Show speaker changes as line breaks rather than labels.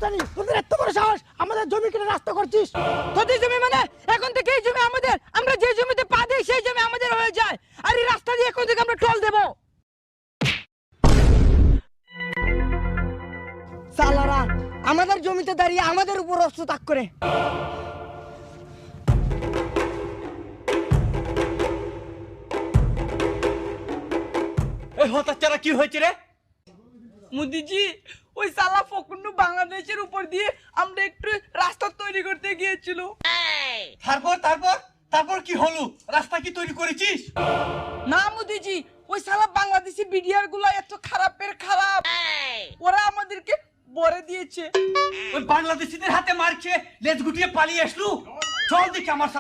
রাস্তা নেই, তোদের এত বড় সাহস আমাদের জমি কিনে রাস্তা করছিস।
তোদের জমি মানে এখন থেকে এই জমি আমাদের, আমরা যে জমিতে পা দিই সেই জমি আমাদের হয়ে যায়। আর এই রাস্তা দিয়ে এখন থেকে আমরা টোল দেব। সালারা আমাদের জমিতে দাঁড়িয়ে আমাদের উপর অস্ত্র তাক করে।
এই হতাচ্ছারা কি হয়েছে রে?
মোদিজি ওই সালা ফকুন্নু বাংলাদেশের উপর দিয়ে আমরা একটু রাস্তা তৈরি করতে গিয়েছিল।
তারপর তারপর তারপর কি হলো? রাস্তা কি তৈরি করেছিস?
না মোদিজি, ওই সালা বাংলাদেশি বিডিআর গুলা এত খারাপের খারাপ, ওরা আমাদেরকে বরে দিয়েছে।
ওই বাংলাদেশিদের হাতে মার খেয়ে লেজ গুটিয়ে পালিয়ে আসলু। চল দেখি আমার